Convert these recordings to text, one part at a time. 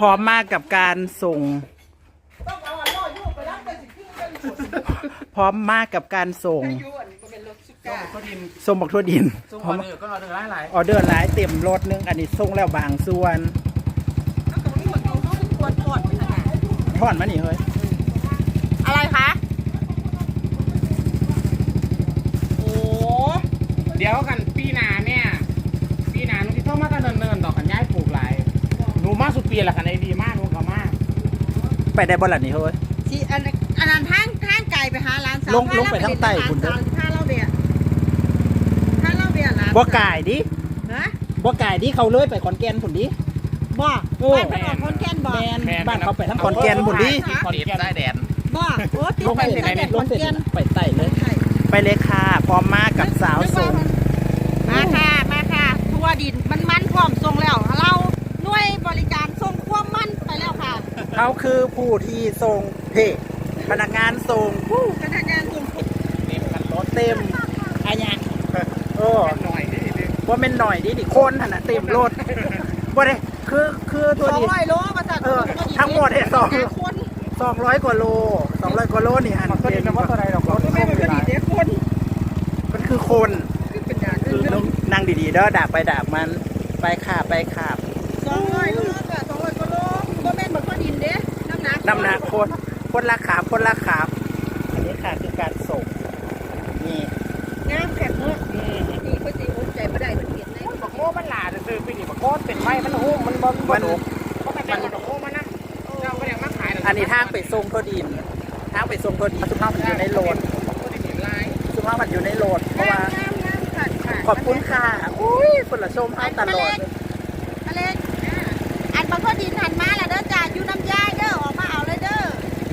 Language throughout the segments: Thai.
พร้อมมากกับการส่งพร้อมมากกับการส่งส่งบักทั่วดินพร้อมก็ออเดอร์หลายออเดอร์หลายเต็มรถนึงอันนี้ส่งแล้วบางส่วนทอดมานี่เฮ้ยอะไรคะโอ้เดี๋ยวกันปีหน้าเนี่ยปีหน้าหนูที่เข้ามาตั้งเนินๆดอกกันย้ายปลูกหลายหนูมาสุดปีละกันไอ้ดีมากหนูก็มากไปได้บ่ล่ะนี่เฮ้ยสิอันนั้นทางไกลไปหาร้านสาวลงไปทางใต้คุณเด้อถ้าเล่าเบียร์นะบ่ไก่ดิฮะบ่ไก่ดิเขาเลยไปขอนแก่นผุนดิบ่บ้านไปออกขอนแก่นบ่บ้านเขาไปทั้งขอนแก่นผุนดิขอนแก่นใต้แดนบ่โอ้ติดไปใต้แดนขอนแก่นไปใต้เลยไปเลยค่ะพร้อมมากกับสาวส่งมาค่ะทั่วดินมันพร้อมส่งแล้วเราหน่วยบริการส่งความมันไปแล้วค่ะเขาคือผู้ที่ส่งเพจพนักงานส่งพนักงานส่งเต็มกันรถเต็มอะไรอย่างหน่อยดิว่าเป็นหน่อยดิคนขนาดเต็มรถว่าเลยคือตัวดิ 200 โลมาจากทั้งหมดเนี่ย200 กว่าโล200 กว่าโลนี่อันเต็มว่าอะไรหรอกไม่เป็นคนดีคนมันคือคนคือนั่งดีๆเด้อดาบไปดาบมันไปขาบ 200 โลกับ200 กว่าโลก็แม่นเหมือนคนดินเด้น้ำหนักคนละขาอันนี้ค่ะคือการส่งนี่งามแข็งเมื่อนี่ก็ตีอุ้มใจไม่ได้มันเห็นเลยบักโม่มันหลาซื้อไปดิบักโคตรเป็นไม้มันหุ้มมันบอลก็ไปเป็นบักโม่มันนะเราก็ยังมาขายอันนี้ทางไปส่งตัวดินสุภาพมันอยู่ในโหลดสุภาพมันอยู่ในโหลดเพราะว่าขอบคุณค่ะอุ้ยคนละชมให้ตลอดอเล็กอันบางคนดินหันมาแล้วเด้อจ่าอยู่น้ำยาเด้อออกมาเอาเลยเด้อ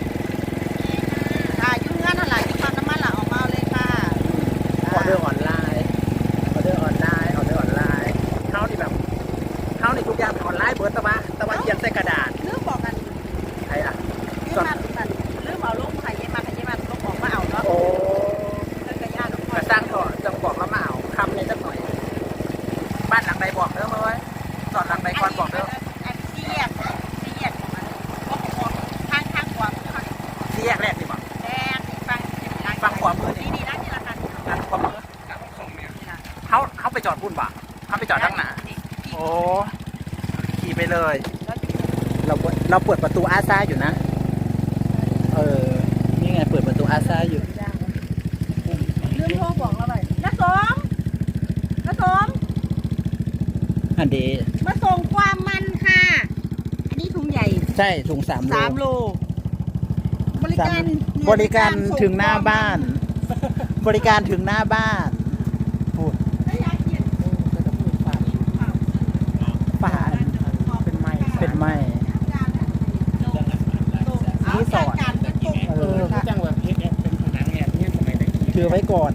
ค่ะยุ่งงานอะไรอยู่ปั๊มน้ำมันหล่ะออกมาเลยค่ะออเดอร์ออนไลน์เขานี่ทุกอย่างเป็นออนไลน์เบิร์ตตะวันเขียนใส่กระดาษเรื่องบอกกันใครล่ะเรื่องเอาลูกไข่เย็นมาลูกบอกมาเอาเนาะโอ้กระสร้างต่อจังบอกแล้วมาเอาคำนี้สักหน่อยบ้านหลังใดบอกเด้อมาไว้ตอนหลังใดก่อนบอกเด้อเสียกข้างขวาเสียกแรกดิบอกแรกฟังขวามือนี่นะนี่ละกันขวามือเขาไปจอดพุ่นบ่เขาไปจอดทั้งหนาโอ้ขี่ไปเลยเราเปิดประตูอาซาอยู่นะนี่ไงเปิดประตูอาซาอยู่เรื่องโทรบอกเราเลยน้าสมอันเดมาส่งความมันค่ะอันนี้ถุงใหญ่ใช่ถุง3 โลบริการถึงหน้าบ้านบริการถึงหน้าบ้านพูดป่านเป็นไม้ที่สอนจังหวะเพชรเป็นผนังเนี่ยที่สมัยไหนคือไว้ก่อน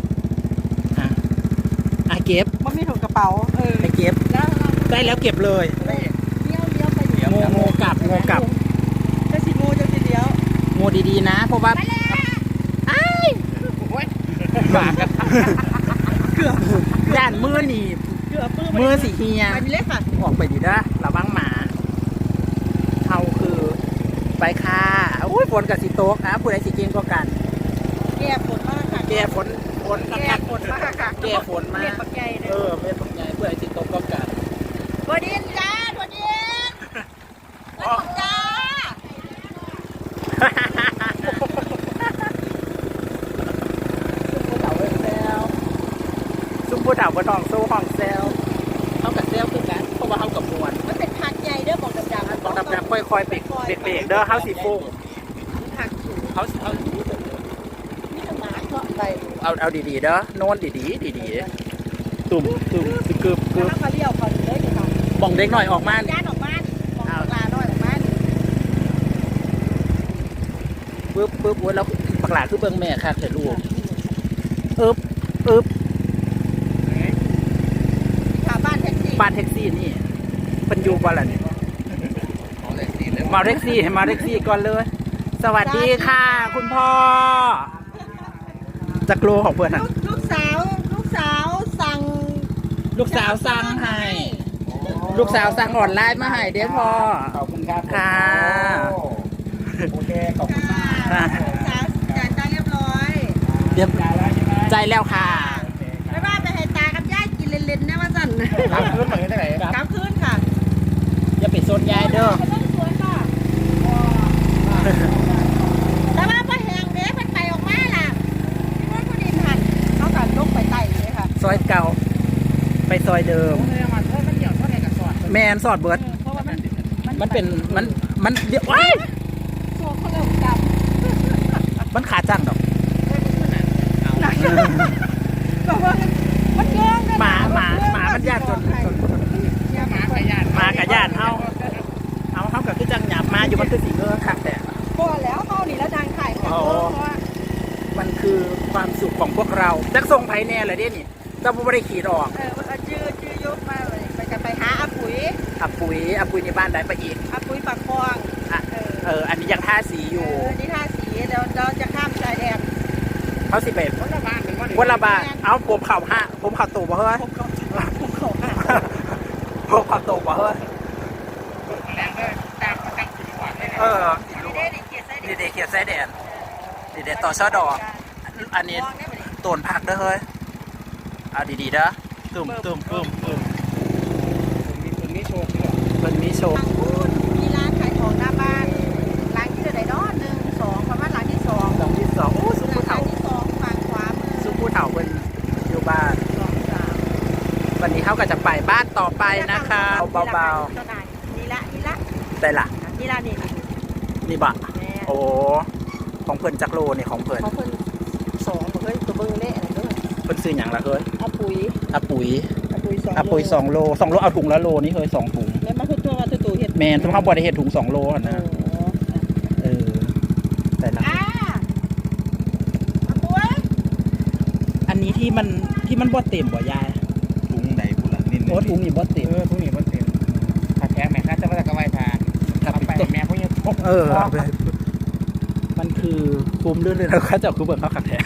เก็บมันมีถุงกระเป๋าไปเก็บได้แล้วเก็บเลยเลี้ยวไปโง่กลับจะสิโง่จะสิเลี้ยวโง่ดีๆนะเพราะว่าบากันเกือบย่านมือหนีบมือสีเฮียไปเล็กค่ะออกไปดีนะระวังหมาเขาคือไปค่ะอุ้ยฝนกับสีโต๊กนะผู้ใดสีเก่งก็กันแก่ฝนมากค่ะแก่ฝนมากค่ะแก่ฝนมากเม็ดปักใหญ่ผู้ใดสีโต๊กก็กันบดินจ้าบดินจ้าซุ้มผู้เฒ่าบนห้องโซ่ห้องเซลเขากับเซลคือกันเพราะว่าเขากับมวนมันเป็นผักใหญ่เด้อบอกดำค่อยๆเบรกเด้อเขาสีฟุ้งเขาเอาดีๆเด้อโน่นดีตุ่มกึบเขาเลี้ยวเขาเลยค่ะบ่องเด็กหน่อยออกมาย่านออกมาเอาปลาหน่อยออกมาปึ๊บแล้วปากหลาคือเบิ้งแม่ค่ะเถอะลูกบ้านแท็กซี่นี่เป็นยูบอลอะไรมาแท็กซี่ก่อนเลยสวัสดีค่ะคุณพ่อจักรโลของเพื่อนลูกสาวสั่งให้ลูกสาวสั่งออนไลน์มาให้เด้อพ่อขอบคุณครับค่ะโอเคขอบคุณมากค่ะจ่ายตังค์เรียบร้อยเรียบจ่ายแล้วใช่ไหมใจแล้วค่ะไม่ว่าไปให้ตากับยายกินเล่นๆนะว่าสั่นรับคืนเหมือนกันได้ไหนกลับคืนค่ะอย่าไปโซนยายเด้อไปต้นสวนค่ะแต่ว่าพอแหงเด้มันไปออกมาล่ะที่ว่าผู้ดินหันเขากันลงไปไต่เลยค่ะซอยเก่า ไปซอยเดิมผมเลยมาเท่ามันเดี่ยวเท่าไหร่กับสอดแมนสอดเบิร์ดเพราะว่ามันเป็นมันเดี๋ยวว้ายโซ่เขาเริ่มกำมันขาจังดอกแบบว่ามันเยอะเลยหมามันญาติจนหมาขยันมากับญาติเฮากับคือจังหยาบมาอยู่มันคือสีเงินขักแต่พอแล้วเขานี่แล้วทางถ่ายของเพราะว่ามันคือความสุขของพวกเราจักทรงไผแน่เลยเด้นี่เจ้าผู้บริขีดออกจืดยุบมาเลยไปจะไปหาอาปุ๋ยอับปุ๋ยในบ้านได้ไปอีกอาปุ๋ยปากคลองอ่ะอันนี้ยังท่าสีอยู่นี่ท่าสีเดี๋ยวเราจะข้ามชายแดนเขาสิเป็นคนละบ้านเป็นว่าวันละบาทเอาผมเข่าห้าผมเข่าตูบ่เฮ้ยผมเขาหาผมเข่าตูบ่เฮ้ยแรงเลยตามถึงก่อนเลยดีเด้ดีเกียรติดีเดเขียดไส้แดนดีเดต่อช่อดอกอันนี้โตนผักเด้อเฮ้ยเอาดีๆเด้อตึมมีโชว์ด้วยมันมีโชว์ทางพูดมีร้านขายของหน้าบ้านร้านที่เท่าไหร่เนาะ1 2ประมาณร้านที่2 ดอกที่สองโอ้สุร้าผู้นเฒ่าที่2ฝั่งขวามือสุผู้เฒ่าเป็นอยู่บ้าน 2 3 วันนี้เขาก็จะไปบ้านต่อไปนะคะเบาๆนี่ละๆแต่ละนี่ละนี่นี่บะแม่โอ้ของเพิ่นจักโลนี่ของเพิ่นเขาเพิ่น2เฮ้ยตัวเบิ่งเละอะไรเด้อเพิ่นซื้อหยังล่ะเฮ้ยอาปุ๋ยอาปุ๋ย 2 2โลเอาถุงละโลนี่เฮ้ย2ถุงแล้วมันคือตัวว่าตัวเฮ็ดแมนสมมติบ่ได้เฮ็ดถุง2โลอะนะแต่ละอาปุ๋ยอันนี้ที่มันบ่เต็มบ่ยายถุงไหนบุหลังนิดโอ้ถุงนี่บ่เต็มทุกนี้มันเต็มถ้าแท้แม่ข้าจะมาจากกระไวพาทำไปแม่พวกนี้พกมันคือคุ้มเรื่องเลยแล้วเขาจะคือเบิ่งเขาขัดแท้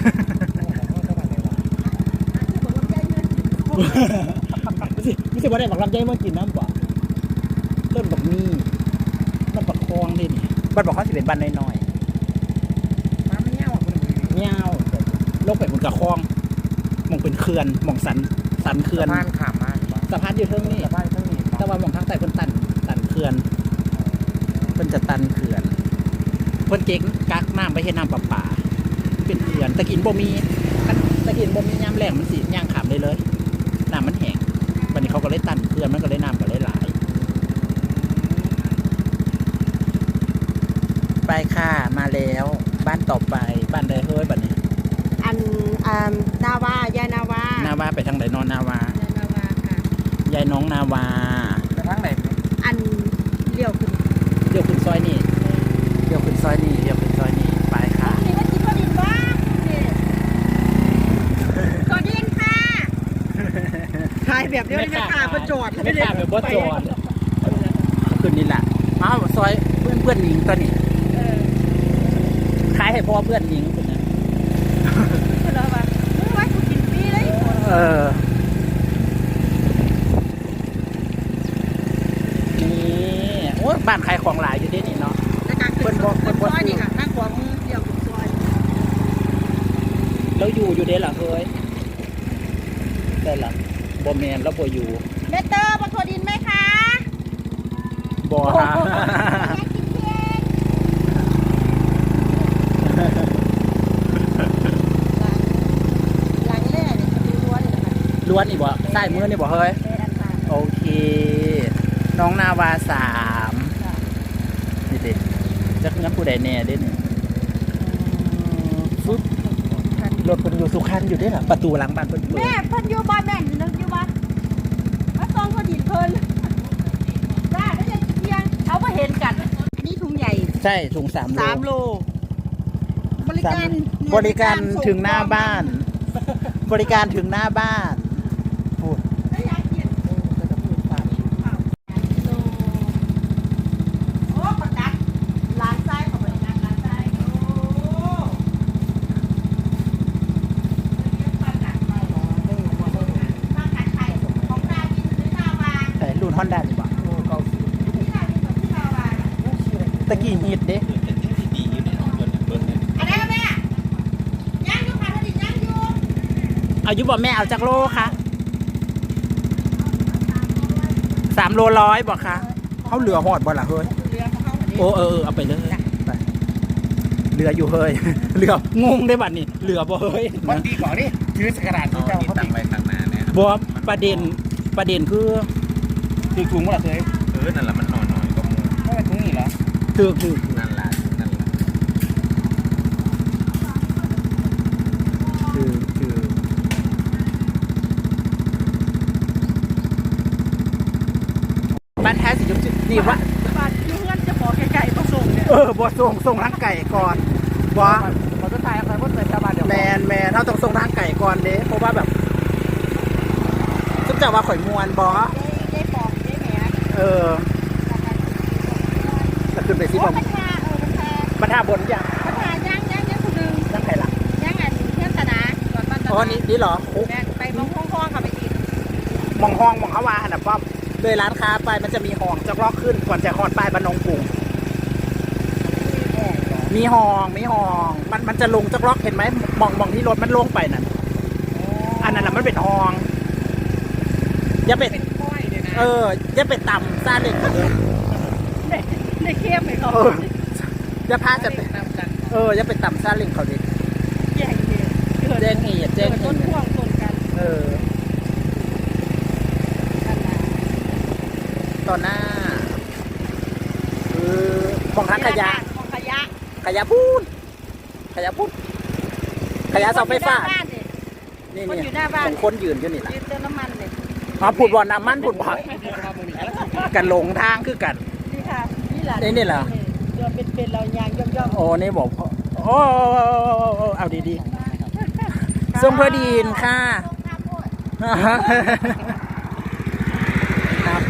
ไม่ใช่ว่าได้บักลำไยมากินน้ำบ่ต้นบักมีมันบักคลองนี่บ้านบอกเขาสิเป็นบ้านน้อยมาไม่เงี้ยวคนอื่นๆเงี้ยวโลกไปบนกระคลองมองเป็นเขื่อนมองสันเขื่อนบ้านขามมาสะพานอยู่เทิงนี่บ้านเท่านี้แต่ว่ามองทางใต้เพิ่นตันเขื่อนเพิ่นจะตันเขื่อนเพิ่นเก่งกักน้ำไปเฮ็ดน้ำประปาเป็นเขื่อนตะกินบ่มียามแล้งมันสิย่างขามได้เลยน้ำมันแห้งวันนี้เขาก็เลยตันเขื่อนมันก็เลยน้ำก็เลยหลายไปค่ะมาแล้วบ้านต่อไปบ้านใดเฮ้ยบัดนี้นาวายายนาวานาวาไปทางไหนนอนนาวายายนาวาค่ะยายน้องนาวาแต่ทั้งไหนเลี้ยวขึ้นเดี๋ยวขึ้นซอยนี่ไปค่ะนี่ว่ากินข้าวดินบ้างนี่ข้าวดินค่ะขายแบบเดียวนี่ค่ะประจอดไม่ขาดแบบบ่จอดขึ้นนี่แหละอ้าวซอยเพื่อนหญิงตัวนี้ขายให้พ่อเพื่อนหญิงคนนั้นแล้วว่าว่ากูกินฟรีเลยนี่โอ้บ้านขายของหลายอยู่ที่นี่เนาะแต่การขึ้นซอยนี่ค่ะนั่งขวามือเลี้ยวขึ้นซอยแล้วอยู่เด้เหรอเฮ้ยแต่ละบ่แมนแล้วบ่อยู่เมเตอร์บนถั่วดินไหมคะบ่ฮะอยากกินเค้กหลังแรกเนี่ยจะมีรั้วเลยนะคะล้วนอีกบ่ใต้มือนี่บ่เฮ้ยเป็นอันตรายโอเค น้องนาวา3นี่ดิจักงั้นผู้ใดแน่เด้นี่ฟึบรถเพิ่นอยู่สุขันอยู่เด้ล่ะประตูหลังบ้านเพิ่นเปิดแม่เพิ่นอยู่บ้านแม่นนึกอยู่บ้านมาซองเขาดินเพิ่นได้ได้ยังเที่ยงเอามาเห็นกันอันนี้ถุงใหญ่ใช่ถุง3 โลบริการบริการถึงหน้าบ้าน บริการถึงหน้าบ้านพูดได้อยากกินโอ้ประกาศร้านไส้ของบริการร้านไส้โอ้ประกาศไข่ของหน้ากินหรือหน้าบ้านแต่รุ่นฮอนด้าดีกว่าตะกี้ฮิตเด้เป็นยังดีอยู่ในของเพิ่นเบิ่งเนี่ยอันนั้นแม่ย่างอยู่ค่ะถ้าดิย่างอยู่เอายุบ่แม่เอาจากโลคะ3 โลร้อยบ่คะเขาเหลือหอดบ่ล่ะเฮ้ยเรือของเขาอันนี้โอ้เอาไปเลยไปเหลืออยู่เฮ้ย เหลืองงได้บัดนี้เหลือบ่เฮ้ยวันดีก่อนดิถือสกระดาษเอาที่เจ้าที่เขาตั้ติงไว้ข้างหน้าเนี่ยบ่ประเด็นคือถือถุงว่าเคยนั่นแหละมันหน่อยๆก็มูไม่เป็นถุงนี่เหรอคือนั่นล่ะบ้านแท้สิจุดนี่ว่าบาดอยู่เพื่อนจะบอกไกลๆมาส่งเนี่ยบ่ส่งทางไก่ก่อนบ่ขอจะถ่ายอะไรว่าเสร็จชาวบ้านเดี๋ยวแมนเราต้องส่งทางไก่ก่อนเด้เพราะว่าแบบซุปจะว่าข่อยมวนบ่ได้ปอกได้แหมจะขึ้นไปสิโอ้ผมมันทามันทาบรรทับบนอย่างมันทาย่างคนนึงทางไก่ละย่างอันเพื่อนตนาก่อนบ้านตนาอ๋อนี่เหรอโอ้แม่ไปมองห้องๆค่ะไปอีกมองห้องมองเขาว่าหันน่ะป้อมเลยร้านค้าไปมันจะมีห้องจะลอกขึ้นก่อนจะฮอดป้ายบ้านนงกรุงมีห้องมันจะลงจะลอกเห็นไหมมองที่รถมันลงไปนั่นอันนั้นแหละมันเป็นห้องอย่าไปเป็นก้อยเลยนะอย่าไปต่ำซาเล็กเลยได้เข้มไปเขาอย่าพาจะไปตามกันอย่าไปต่ำซาเล็กเขาดิแย่งเหตุเกิดแจ้งเหตุต้นพ่วงต้นกันต่อหน้ามองทางขยะของขยะขยะพูดขยะเสาไฟฟ้า นี่คนอยู่หน้าบ้านของคนยืนอยู่นี่แหละยืนเติมน้ำมันเลยพูดบ่อน้ำมันพูดบ่อกันหลงทางคือกันนี่ค่ะนี่แหละนี่เหรอเดือนเป็นเรายางย่อมโอ้นี่บอกโอ้เอาดีๆส่งเพื่อดีนค่ะครับ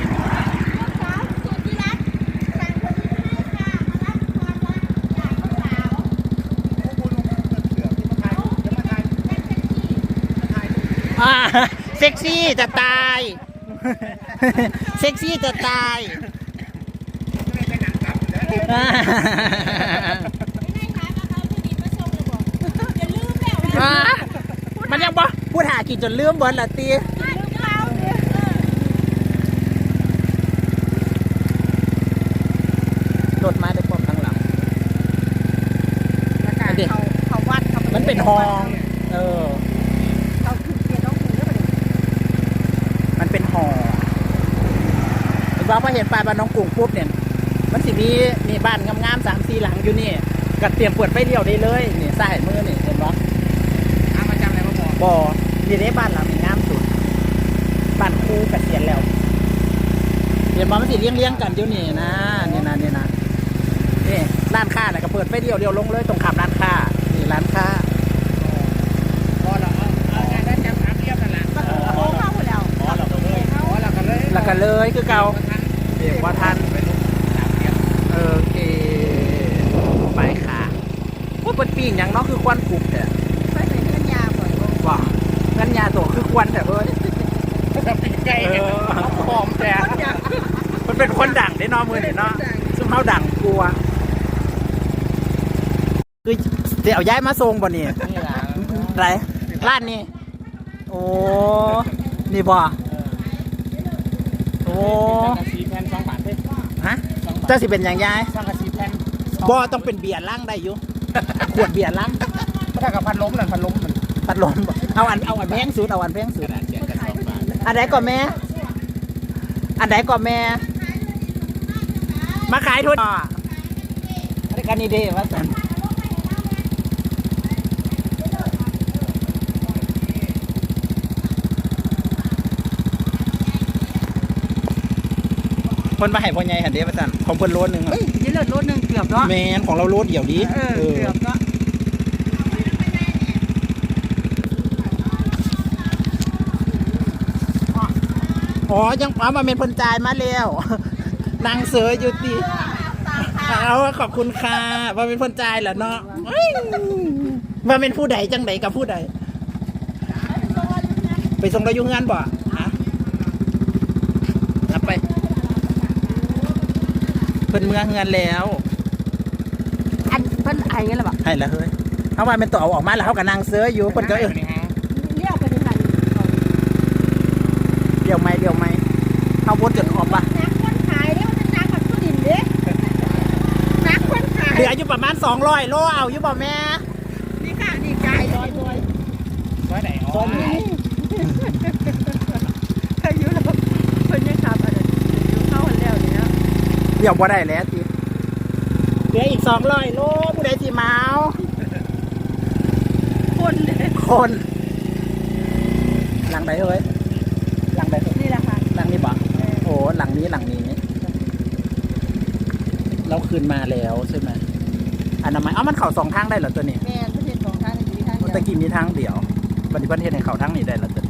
เซ็กซี่จะตายเซ็กซี่จะตายมันยังบ่พูดหากินจนลืมเบิร์ดละตีรถมาได้พร้อมทั้งหลังเขาวัดมันเป็นห้องเขาคือเกียร์น้องคุณก็ไปมันเป็นห้องว่าพอเห็นปลายบ้านน้องกรุงปุ๊บเนี่ยมันสิมีบ้านงามๆ3-4 หลังอยู่นี่ก็เตรียมเปิดไฟเลี้ยวได้เลยนี่ซ้ายมือนี่เห็นปะอามาจำอะไรมาบอกบ่นี่ได้บ้านหลังนี้งามสุดบ้านครูเกษียณแล้วเห็นปะมันสิเลี้ยงกันอยู่นี่นะนี่ร้านค้าน่ะก็เปิดไฟเลี้ยวลงเลยตรงขับร้านค้านี่ร้านค้าพอเราเอาได้จำถามเรียบนั่นแหละโค้งเข้าไปแล้วพอเราก็เลยแล้วก็เลยคือเก่าเด็กว่าทันไปลูกถามเรียบโอเคไปค่ะว่าเป็นปีงอย่างเน้องคือควันกรุบแต่ไปใส่เงื่อนยาก่อนว่างั้นยาตัวคือควันแต่เอ้ยจะปีไก่หอมแต่มันเป็นคนดังได้เนอมือเนี่ยเนาะซึ่งเขาดังกลัวคือเดี๋ยวย้ายมาทรงบ่เนี่ยนี่แหละไรร้านนี้โอ้นี่บ่โอ้สังกะสีแผ่น2 บาทเท่ฮะเจ้าสิเป็นอย่างยายสังกะสีแผ่นบ่ต้องเป็นเบียร์ล่างได้อยู่ ขวดเบียร์ล่างถ้ากับพันล้มนั่นพันล้มมันปัดลมบ่เอาอันแพงสุดเอาอันแพงสุดอันไหนก่อนแม่อันไหนก่อนแม่มาขายทุนอันนี้กันนี่เด้ว่าสันคนมาให้พ่อใหญ่หันเด้ว่าสันของเพิ่นโลนึงนี่เลือดรถนึงเกือบเนาะแมนของเราโลเดี่ยวดีเกือบเนาะอ๋อยังเอามาเป็นเพิ่นจ่ายมาแล้วนางเสืออยู่ตีเอาขอบคุณค่ะว่าเป็นเพิ่นจ่ายเหรอเนาะว่าเป็นผู้ใดจังใดกับผู้ใดไปส่งเราอยู่งานบ่ฮะรับไปเพิ่นเมืองเงินแล้วให้งั้นหรอเปล่าให้แล้วเฮ้ยเขาว่าเป็นตัวเอาออกมาแล้วเขาก็นั่งเสื้ออยู่เพิ่นก็นี่ฮะเลี้ยวไปที่หันเดี๋ยวไม่เขาวนจนออกปะนักคนขายเนี่ยมันจะนักกับผู้ดินเด้นักคนขายเหลืออยู่ประมาณ200 โลเอาอยู่บ่แม่นี่ค่ะนี่กายลอยซอยไหนอ๋อตอนนี้อายุเราคนยังขับอะไรอยู่เข้าหันแล้วเนี่ยเดี๋ยวบ่ได้แล้วทีเหลืออีก200 โลผู้ใดสิมาเอาคนเลยคนหลังใดเฮ้ยหลังใดเฮ้ยนี่แหละค่ะหลังนี้บ่โอ้หลังนี้เราคืนมาแล้วใช่ไหมอนามัยมันเข่า2 ทางได้เหรอตัวนี้แมนประเทศของทางนี้ทางเดียวตะกี้มีทางเดียวปฏิบัติเทศในเข่าทางนี้ได้เหรอตัวนี้